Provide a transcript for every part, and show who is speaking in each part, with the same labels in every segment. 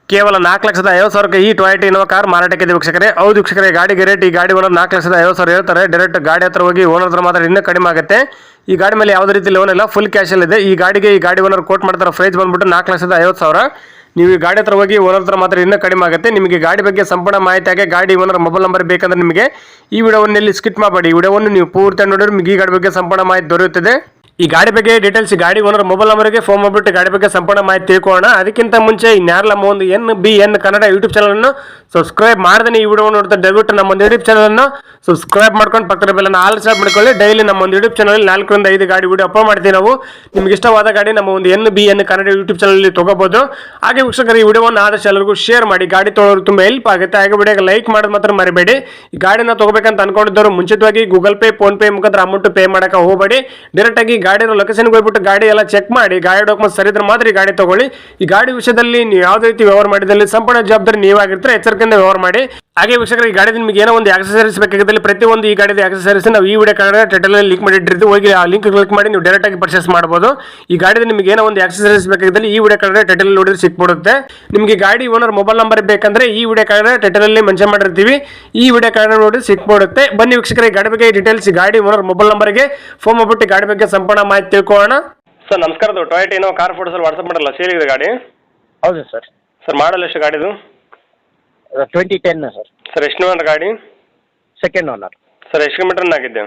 Speaker 1: ಕೇವಲ 4,50,000 ಈ Toyota Innova car ಮಾರಾಟಕ್ಕೆ ವೀಕ್ಷಕರೇ. ಹೌದು ವೀಕ್ಷಕರೇ, ಗಾಡಿಗೆ ರೇಟ್ ಈ ಗಾಡಿ ಓನರ್ 4,50,000 ಹೇಳ್ತಾರೆ. ಡೈರೆಕ್ಟ್ ಗಾಡಿ ಹತ್ರ ಹೋಗಿ ಓನರ್ ಹತ್ರ ಮಾತ್ರ ಇನ್ನೂ ಕಡಿಮೆ ಆಗುತ್ತೆ. ಈ ಗಾಡಿ ಮೇಲೆ ಯಾವುದೇ ರೀತಿ ಲೋನ್ ಇಲ್ಲ, ಫುಲ್ ಕ್ಯಾಶ್ ಇದೆ. ಈ ಗಾಡಿ ಓನರ್ ಕೋಟ್ ಮಾಡ್ತಾರೆ ಪ್ರೈಸ್ ಬಂದ್ಬಿಟ್ಟು 4,50,000. ನೀವು ಈ ಗಾಡಿ ಹತ್ರ ಹೋಗಿ ಓನರ್ ಹತ್ರ ಮಾತ್ರ ಇನ್ನೂ ಕಡಿಮೆ ಆಗುತ್ತೆ. ನಿಮಗೆ ಗಾಡಿ ಬಗ್ಗೆ ಸಂಪೂರ್ಣ ಮಾಹಿತಿ ಆಗಿ ಗಾಡಿ ಓನರ್ ಮೊಬೈಲ್ ನಂಬರ್ ಬೇಕಂದ್ರೆ ನಿಮಗೆ ಈ ವಿಡಿಯೋವನ್ನು ಇಲ್ಲಿ ಸ್ಕಿಪ್ ಮಾಡಬೇಡಿ. ಈ ವಿಡಿಯೋವನ್ನು ನೀವು ಪೂರ್ತಿ ನೋಡಿದ್ರೆ ನಿಮಗೆ ಈ ಗಾಡಿ ಬಗ್ಗೆ ಸಂಪೂರ್ಣ ಮಾಹಿತಿ ದೊರೆಯುತ್ತದೆ. ಈ ಗಾಡಿ ಬಗ್ಗೆ ಡೀಟೇಲ್ಸ್ ಗಾಡಿ ಓನರ್ ಮೊಬೈಲ್ ನಂಬರ್ಗೆ ಫೋನ್ ಮಾಡಿಬಿಟ್ಟು ಗಾಡಿ ಬಗ್ಗೆ ಸಂಪೂರ್ಣ ಮಾಹಿತಿ ತಿಳ್ಕೊಳ್ಳೋಣ. ಅದಕ್ಕಿಂತ ಮುಂಚೆ ಇನ್ಯಾರಲ್ಲ ಒಂದು NBN ಕನ್ನಡ ಯೂಟ್ಯೂಬ್ ಚಾನಲನ್ನು ಸಬ್ಸ್ಕ್ರೈಬ್ ಮಾಡಿದ್ರೆ ಈ ವಿಡಿಯೋ ನೋಡ್ತಾ ದಯವಿಟ್ಟು ನಮ್ಮ ಒಂದು ಯೂಟ್ಯೂಬ್ ಚಾನಲನ್ನು ಸಬ್ಸ್ಕ್ರೈಬ್ ಮಾಡ್ಕೊಂಡು ಪಕ್ಕದ ಬೆಲ್ಲನ್ನು ಆಲ್ ಸ್ಟಾಪ್ ಮಾಡ್ಕೊಳ್ಳಿ. ಡೈಲಿ ನಮ್ಮ ಒಂದು ಯೂಟ್ಯೂಬ್ ಚಾನಲ್ 4 ರಿಂದ 5 ಗಾಡಿ ವಿಡಿಯೋ ಅಪ್ಲೋಡ್ ಮಾಡ್ತೀವಿ ನಾವು. ನಿಮ್ಗೆ ಇಷ್ಟವಾದ ಗಾಡಿ ನಮ್ಮ ಒಂದು NBN ಕನ್ನಡ ಯೂಟ್ಯೂಬ್ ಚಾನಲ್ ತಗೋಬಹುದು. ಹಾಗೆ ವೀಕ್ಷಕರು, ಈ ವಿಡಿಯೋವನ್ನು ಆದಷ್ಟು ಎಲ್ಲರಿಗೂ ಶೇರ್ ಮಾಡಿ. ಗಾಡಿ ತೊಗೊಳ್ಳೋರು ತುಂಬ ಹೆಲ್ಪ್ ಆಗುತ್ತೆ. ಹಾಗೆ ವಿಡಿಯೋಗೆ ಲೈಕ್ ಮಾಡೋದು ಮಾತ್ರ ಮರಿಬೇಡಿ. ಈ ಗಾಡಿನ ತಗೋಬೇಕಂತ ಅನ್ಕೊಂಡಿದ್ದವರು ಮುಂಚಿತವಾಗಿ ಗೂಗಲ್ ಪೇ, ಫೋನ್ ಪೇ ಮುಖಾಂತರ ಅಮೌಂಟ್ ಪೇ ಮಾಡಕ್ಕೆ ಹೋಗಬೇಡಿ. ಡೈರೆಕ್ಟ್ ಆಗಿ ಗಾಡಿ ಲೊಕೇಶನ್ ಬಿಟ್ಟು ಗಾಡಿ ಎಲ್ಲ ಚೆಕ್ ಮಾಡಿ, ಗಾಡಿ ಡಾಕ್ಯುಮೆಂಟ್ಸ್ ಸರಿ ಇದ್ರೆ ಮಾತ್ರ ಈ ಗಾಡಿ ತಗೊಳ್ಳಿ. ಈ ಗಾಡಿ ವಿಷಯದಲ್ಲಿ ನೀವು ಯಾವುದೇ ರೀತಿ ವ್ಯವಹಾರ ಮಾಡಿದಲ್ಲಿ ಸಂಪೂರ್ಣ ಜವಾಬ್ದಾರಿ ನೀವಾಗಿರ್ತಾರೆ. ಎಚ್ಚರಿಕೆಯಿಂದ ವ್ಯವಹಾರ ಮಾಡಿ. ಹಾಗೆ ವೀಕ್ಷಕರು, ಈ ಗಾಡಿ ನಿಮಗೆ ಏನೋ ಒಂದು ಆಕ್ಸೆಸರೀಸ್ ಬೇಕಾಗಿದ್ದಲ್ಲಿ ಪ್ರತಿಯೊಂದು ಈ ಗಾಡಿದ ಆಕ್ಸೆಸರೀಸ್ ನಾವು ಈ ವಿಡಿಯೋ ಕಾರ್ಡ್ ಟೈಟಲ್ ಲಿಂಕ್ ಮಾಡಿಟ್ಟಿರ್ತೀವಿ. ಹೋಗಿ ಆ ಲಿಂಕ್ ಕ್ಲಿಕ್ ಮಾಡಿ ನೀವು ಡೈರೆಕ್ಟ್ ಆಗಿ ಪರ್ಚೇಸ್ ಮಾಡಬಹುದು. ಈ ಗಾಡಿದ ನಿಮಗೆ ಏನೋ ಒಂದು ಆಕ್ಸೆಸರೀಸ್ ಬೇಕಾಗಿದ್ದಲ್ಲಿ ಈ ವಿಡಿಯೋ ಕಾರ್ಡ್ ಟೈಟಲ್ ನೋಡಿದ್ರೆ ಸಿಕ್ಬಿಡುತ್ತೆ. ನಿಮಗೆ ಗಾಡಿ ಓನರ್ ಮೊಬೈಲ್ ನಂಬರ್ ಬೇಕಂದ್ರೆ ಈ ವಿಡಿಯೋ ಕಾರ್ಡ್ ಟೈಟಲ್ ಅಲ್ಲಿ ಮೆನ್ಷನ್ ಮಾಡಿರ್ತೀವಿ. ಈ ವಿಡಿಯೋ ಕಾರ್ಡ್ ನೋಡಿ ಸಿಕ್ಬಿಡುತ್ತೆ. ಬನ್ನಿ ವೀಕ್ಷಕರ, ಗಾಡಿ ಬಗ್ಗೆ ಡೀಟೇಲ್ಸ್ ಗಾಡಿ ಓನರ್ ಮೊಬೈಲ್ ನಂಬರ್ಗೆ ಫೋನ್ ಮಾಡ್ಬಿಟ್ಟು ಗಾಡಿ ಬಗ್ಗೆ ಸಂಪೂರ್ಣ ಮಾಹಿತಿ ತಿಳ್ಕೊಳ್ಳೋಣ. ಸರ್ ನಮಸ್ಕಾರ. Toyota Innova car photos WhatsApp ಮಾಡಲ್ಲ, ಸೇಲ್ ಇದೆ ಗಾಡಿ?
Speaker 2: ಹೌದು ಸರ್.
Speaker 1: ಸರ್ ಮಾಡಲ್ ಎಷ್ಟು ಗಾಡಿದು?
Speaker 2: 2010 ಸರ್.
Speaker 1: ಸರ್ ಎಷ್ಟು ಓನರ್ ಗಾಡಿ?
Speaker 2: Second owner.
Speaker 1: ಸರ್ ಎಷ್ಟು ಕಿಲೋಮೀಟರ್ ಆಗಿದೆ?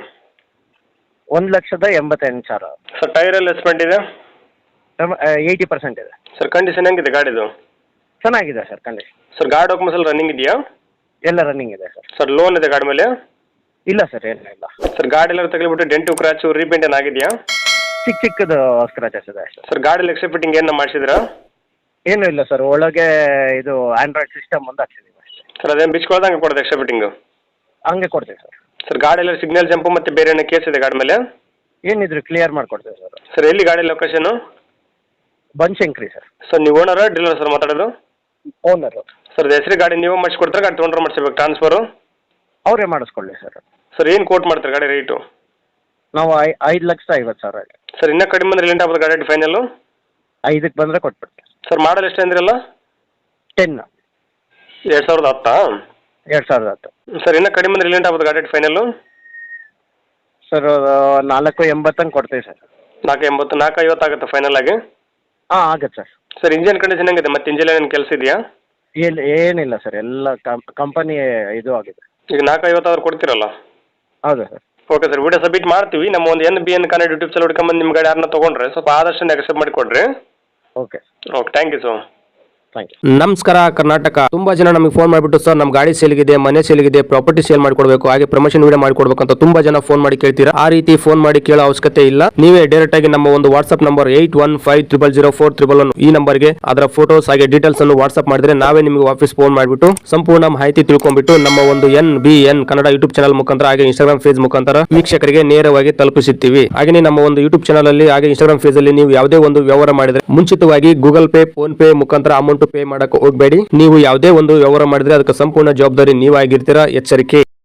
Speaker 2: 1,88,000.
Speaker 1: ಸರ್ ಟೈರ್ ಎಲ್ಲ ಎಸ್ಪೆಂಟ್ ಇದೆ?
Speaker 2: 80% ಇದೆ.
Speaker 1: ಸರ್ ಕಂಡೀಷನ್ ಹೆಂಗಿದೆ ಗಾಡಿದು?
Speaker 2: ಚೆನ್ನಾಗಿದೆ ಸರ್ ಕಂಡೀಷನ್.
Speaker 1: ಸರ್ ಗಾಡಿ ಡಾಕ್ಯುಮೆಂಟ್ಸ್ ಎಲ್ಲ ರನ್ನಿಂಗ್ ಇದೆಯಾ?
Speaker 2: ಎಲ್ಲ ರನ್ನಿಂಗ್ ಇದೆ ಸರ್.
Speaker 1: ಸರ್ ಲೋನ್ ಇದೆ ಗಾಡಿ ಮೇಲೆ?
Speaker 2: ಇಲ್ಲ ಸರ್, ಏನಿಲ್ಲ.
Speaker 1: ಸರ್ ಗಾಡಿ ಎಲ್ಲ ತಗಲಿಬಿಟ್ಟು ಡೆಂಟು ಕ್ರಾಚು ರೀಪೇಂಟ್ ಏನು ಆಗಿದೆಯಾ?
Speaker 2: ಚಿಕ್ಕದು ಸ್ಕ್ರಾಚಸ್ ಇದೆ ಅಷ್ಟೇ.
Speaker 1: ಸರ್ ಗಾಡಿ ಎಕ್ಸ್ಟ್ರಾ ಫಿಟ್ಟಿಂಗ್ ಏನು ಮಾಡಿಸಿದ್ರಾ?
Speaker 2: ಏನೂ ಇಲ್ಲ ಸರ್, ಒಳಗೆ ಇದು ಆಂಡ್ರಾಯ್ಡ್ ಸಿಸ್ಟಮ್ ಒಂದು ಹಾಕ್ಸಿದ್ದೀವಿ ಅಷ್ಟೇ.
Speaker 1: ಸರ್ ಅದೇನು ಬಿಚ್ಕೊಳ್ದಂಗೆ ಕೊಡೋದು ಎಕ್ಸ್ಟ್ರಾ ಫಿಟ್ಟಿಂಗು?
Speaker 2: ಹಂಗೆ ಕೊಡ್ತೀವಿ ಸರ್.
Speaker 1: ಸರ್ ಗಾಡಿ ಎಲ್ಲ ಸಿಗ್ನಲ್ ಜಂಪು ಮತ್ತು ಬೇರೆ ಏನೋ ಕೇಸ್ ಇದೆ ಗಾಡಿ ಮೇಲೆ?
Speaker 2: ಏನಿದ್ರು ಕ್ಲಿಯರ್ ಮಾಡಿಕೊಡ್ತೀವಿ ಸರ್.
Speaker 1: ಸರ್ ಎಲ್ಲಿ ಗಾಡಿ ಲೊಕೇಶನು?
Speaker 2: ಬನಶಂಕರಿ ಸರ್.
Speaker 1: ಸರ್ ನೀವು ಓನರ ಡೀಲರ್ ಸರ್ ಮಾತಾಡೋದು?
Speaker 2: ಓನರು.
Speaker 1: ಸರ್ ಹೆಸರು ಗಾಡಿ ನೀವು ಮಾಡಿಸ್ಕೊಡ್ತಾರೆ, ಗಾಡಿ ತೊಗೊಂಡ್ರೆ ಮಾಡಿಸ್ಬೇಕು ಟ್ರಾನ್ಸ್ಫರು?
Speaker 2: ಅವರೇ ಮಾಡಿಸ್ಕೊಳ್ಳಿ ಸರ್.
Speaker 1: ಸರ್ ಏನು ಕೋಟ್ ಮಾಡ್ತಾರೆ ಗಾಡಿ ರೇಟು?
Speaker 2: ನಾವು 5,50,000.
Speaker 1: ಸರ್ ಇನ್ನೂ ಕಡಿಮೆ ಅಂದರೆ ಲೆಂಟ್ ಆಗ್ಬೋದು ಗಾಡಿ ಫೈನಲ್ಲು?
Speaker 2: 5ಕ್ಕೆ ಬಂದರೆ ಕೊಟ್ಬಿಡ್ತೀವಿ.
Speaker 1: ಸರ್ ಮಾಡಲ್ ಎಷ್ಟು ಅಂದ್ರಲ್ಲ?
Speaker 2: 10.
Speaker 1: 2010?
Speaker 2: 2010.
Speaker 1: ಸರ್ ಇನ್ನೂ ಕಡಿಮೆ ಅಂದರೆ ಲೆಂಟ್ ಆಗ್ಬೋದು ಗಾಡಿ ಫೈನಲ್ಲು?
Speaker 2: ಸರ್ 4,80 ಕೊಡ್ತೀವಿ ಸರ್.
Speaker 1: 4,80, 4,50 ಆಗುತ್ತೆ ಫೈನಲ್ ಆಗಿ?
Speaker 2: ಹಾಂ ಆಗುತ್ತೆ ಸರ್.
Speaker 1: ಸರ್ ಇಂಜಿನ್ ಕಂಡೀಷನ್ ಹೆಂಗಿದೆ? ಮತ್ತೆ ಇಂಜಿನ್ ಏನು ಕೆಲಸ ಇದೆಯಾ?
Speaker 2: ಏನಿಲ್ಲ ಸರ್, ಎಲ್ಲ ಕಂಪನಿ ಇದು ಆಗಿದೆ.
Speaker 1: ಈಗ 4,50 ಆದ್ರೆ ಕೊಡ್ತೀರಲ್ಲ?
Speaker 2: ಹೌದು sir.
Speaker 1: Okay sir, video submit ಮಾಡ್ತೀವಿ. ನಮ್ಮ ಒಂದು NBN ಕನ್ನಡ ಯೂಟ್ಯೂಬ್ ಚಾನಲ್ ಹುಡ್ಕೊಂಬಂದು ನಿಮ್ಮ ಗಾಡಿ ಯಾರನ್ನ ತೊಗೊಂಡ್ರೆ ಸ್ವಲ್ಪ ಆದಷ್ಟು ನೆಗೆಸೆಪ್ಟ್ ಮಾಡಿ ಕೊಡ್ರಿ.
Speaker 2: Okay
Speaker 1: thank you sir.
Speaker 3: ನಮಸ್ಕಾರ ಕರ್ನಾಟಕ. ತುಂಬಾ ಜನ ನಮಗೆ ಫೋನ್ ಮಾಡಿಬಿಟ್ಟು ಸರ್ ನಮ್ಮ ಗಾಡಿ ಸೇಲ್ಗಿದೆ, ಮನೆ ಸೇಲ್ಗಿದೆ, ಪ್ರಾಪರ್ಟಿ ಸೇಲ್ ಮಾಡ್ಕೊಡ್ಬೇಕು, ಹಾಗೆ ಪ್ರಮೋಷನ್ ವಿಡಿಯೋ ಮಾಡ್ಕೊಡ್ಬೇಕು ಅಂತ ತುಂಬಾ ಜನ ಫೋನ್ ಮಾಡಿ ಕೇಳ್ತೀರಾ. ಆ ರೀತಿ ಫೋನ್ ಮಾಡಿ ಕೇಳೋ ಅವಶ್ಯಕತೆ ಇಲ್ಲ. ನೀವೇ ಡೈರೆಕ್ಟ್ ಆಗಿ ನಮ್ಮ ಒಂದು ವಾಟ್ಸ್ಆಪ್ ನಂಬರ್ 81500411 ಈ ನಂಬರ್ಗೆ ಅದರ ಫೋಟೋಸ್ ಹಾಗೆ ಡೀಟೇಲ್ಸ್ ಅನ್ನು ವಾಟ್ಸ್ಆಪ್ ಮಾಡಿದ್ರೆ ನಾವೇ ನಿಮಗೆ ವಾಪಸ್ ಫೋನ್ ಮಾಡಿಬಿಟ್ಟು ಸಂಪೂರ್ಣ ಮಾಹಿತಿ ತಿಳ್ಕೊಂಡ್ಬಿಟ್ಟು ನಮ್ಮ ಒಂದು NBN ಕನ್ನಡ ಯೂಟ್ಯೂಬ್ ಚಾನಲ್ ಮುಖಾಂತರ ಹಾಗೆ ಇನ್ಸ್ಟಾಗ್ರಾಮ್ ಪೇಜ್ ಮುಖಾಂತರ ವೀಕ್ಷಕರಿಗೆ ನೇರವಾಗಿ ತಲುಪಿಸುತ್ತೀವಿ. ಹಾಗೆ ನಮ್ಮ ಒಂದು ಯೂಟ್ಯೂಬ್ ಚಾನಲ್ ಅಲ್ಲಿ ಹಾಗೆ ಇನ್ಸ್ಟಾಗ್ರಾಮ್ ಪೇಜ್ ಅಲ್ಲಿ ನೀವು ಯಾವುದೇ ಒಂದು ವ್ಯವಹಾರ ಮಾಡಿದ್ರೆ ಮುಂಚಿತವಾಗಿ ಗೂಗಲ್ ಪೇ, ಫೋನ್ ಪೇ ಮುಖಾಂತರ ಅಮೌಂಟ್ ಪೇ ಮಾಡಕ್ಕೆ ಹೋಗಬೇಡಿ. ನೀವು ಯಾವುದೇ ಒಂದು ವ್ಯವಹಾರ ಮಾಡಿದ್ರೆ ಅದಕ್ಕೆ ಸಂಪೂರ್ಣ ಜವಾಬ್ದಾರಿ ನೀವಾಗಿರ್ತೀರಾ. ಎಚ್ಚರಿಕೆ.